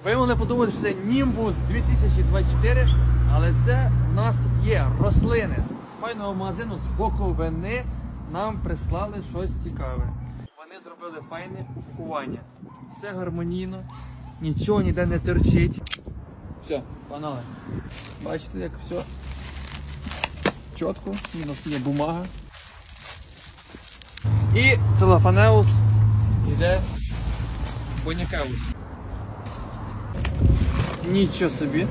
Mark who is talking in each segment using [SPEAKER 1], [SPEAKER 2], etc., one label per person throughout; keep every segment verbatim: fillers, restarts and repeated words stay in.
[SPEAKER 1] Ви могли подумати, що це Німбус дві тисячі двадцять чотири, але це в нас тут є рослини. З файного магазину з Буковини нам прислали щось цікаве. Вони зробили файне упакування. Все гармонійно, нічого ніде не терчить. Все, погнали. Бачите, як все чітко, у нас є бумага. І целофанеус йде бонякеус. Нічого собі.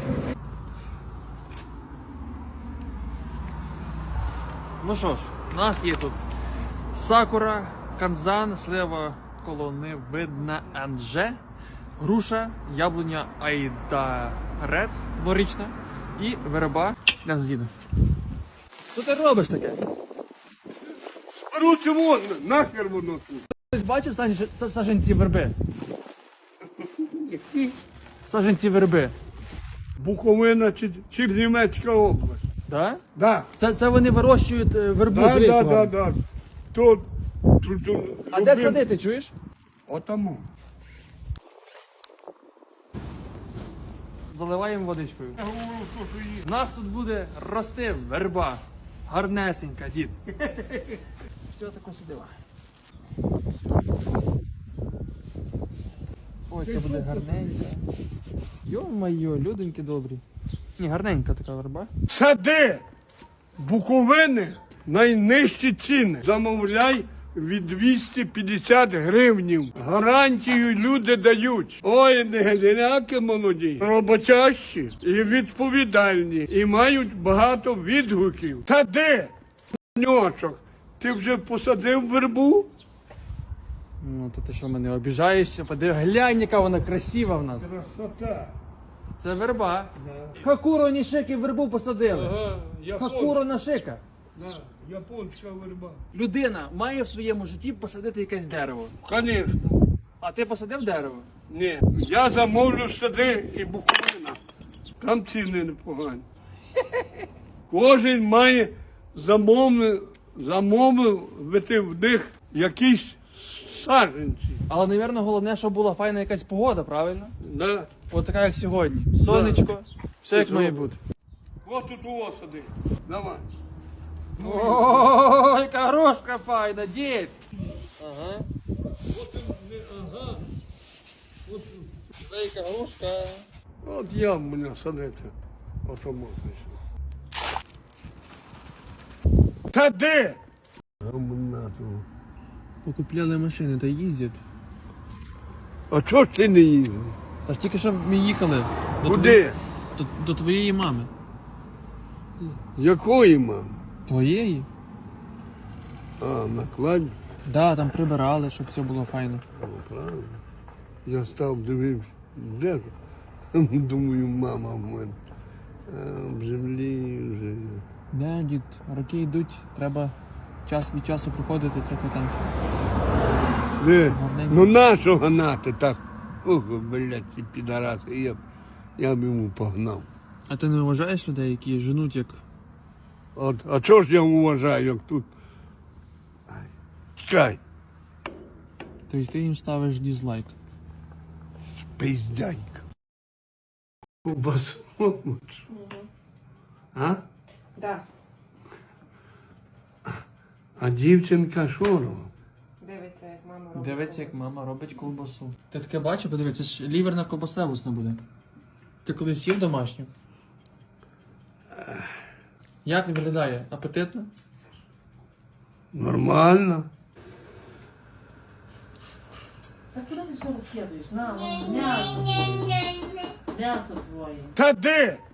[SPEAKER 1] Ну що ж, у нас є тут сакура, канзан, слива колоневидна анже, груша, яблуня айда ред дворічна і верба. Йдемо з дідом. Що ти робиш таке?
[SPEAKER 2] Короче, вон, нахер воно тут.
[SPEAKER 1] Хтось бачив саж- саженці верби?
[SPEAKER 2] Які?
[SPEAKER 1] Саженці верби.
[SPEAKER 2] Буковина чи, чи Німецька область.
[SPEAKER 1] Да?
[SPEAKER 2] Да.
[SPEAKER 1] Це, це вони вирощують е, вербу.
[SPEAKER 2] Да,
[SPEAKER 1] з
[SPEAKER 2] да,
[SPEAKER 1] рейку.
[SPEAKER 2] да, да. Тут, тут, тут
[SPEAKER 1] А де садити, чуєш?
[SPEAKER 2] Отому.
[SPEAKER 1] Заливаємо водичкою. З нас тут буде рости верба. Гарнесенька, дід. Що таке сюди? Ой, це буде гарненька. Йо-майо, люденьки добрі. Ні, гарненька така верба.
[SPEAKER 2] Сади Буковини найнижчі ціни. Замовляй від двісті п'ятдесят гривнів. Гарантію люди дають. Ой, не геляки молоді, роботящі і відповідальні. І мають багато відгуків. Сади, ньочок, ти вже посадив вербу?
[SPEAKER 1] Ну, то ти що мене обіжаєшся? Подиви, глянь, яка вона красива в нас.
[SPEAKER 2] Красота.
[SPEAKER 1] Це верба. Хакуро Нішики вербу посадили.
[SPEAKER 2] Ага,
[SPEAKER 1] Хакуро Нашика.
[SPEAKER 2] Да, японська верба.
[SPEAKER 1] Людина має в своєму житті посадити якесь дерево.
[SPEAKER 2] Звісно.
[SPEAKER 1] А ти посадив дерево?
[SPEAKER 2] Ні, я замовлю сади і Буковина. Там ціни непогані. Кожен має замовити, замовити в них якісь саджанці.
[SPEAKER 1] Але, мабуть, головне, щоб була файна якась погода, правильно?
[SPEAKER 2] Да.
[SPEAKER 1] От така, як сьогодні. Сонечко, все як має бути.
[SPEAKER 2] Ось тут у вас сади. Давай.
[SPEAKER 1] О, яка грушка файна, дід! Ага.
[SPEAKER 2] Ага.
[SPEAKER 1] Це яка грушка.
[SPEAKER 2] От я в мене садити. Ото можна. Сади!
[SPEAKER 1] Покупляли машини та їздять.
[SPEAKER 2] А чого ж ти не їздив?
[SPEAKER 1] Аж тільки що ми їхали. До
[SPEAKER 2] Куди?
[SPEAKER 1] твої- До, до твоєї мами.
[SPEAKER 2] Якої мами?
[SPEAKER 1] Твоєї?
[SPEAKER 2] А, накладь.
[SPEAKER 1] Да, там прибирали, щоб все було файно.
[SPEAKER 2] О, правильно. Я став дивився. Де ж? Думаю, мама в мене. А, в землі вже.
[SPEAKER 1] Да, дід, роки йдуть, треба час від часу приходити, трохи там.
[SPEAKER 2] Де?
[SPEAKER 1] Гарненько.
[SPEAKER 2] Ну нащо гнати так? Ох, блядь, ці підараси. Я б, я б йому погнав.
[SPEAKER 1] А ти не вважаєш людей, які женуть як.
[SPEAKER 2] От, а чого ж я вважаю, як тут? Ай, чекай,
[SPEAKER 1] Тобто ти їм ставиш дізлайк.
[SPEAKER 2] пиздянька. Ковбасу. А?
[SPEAKER 3] Да,
[SPEAKER 2] А дівчинка що робить?
[SPEAKER 3] дивиться, як мама робить.
[SPEAKER 1] Дивиться, як мама робить ковбасу. Ти таке бачив, подивись, це ж ліверна ковбаса вусна буде. Ти колись їв домашню? Як виглядає? Апетитно?
[SPEAKER 2] Нормально.
[SPEAKER 4] Так куда ты все расследуешь? На, вон, мясо. Мясо твое.
[SPEAKER 2] Та де?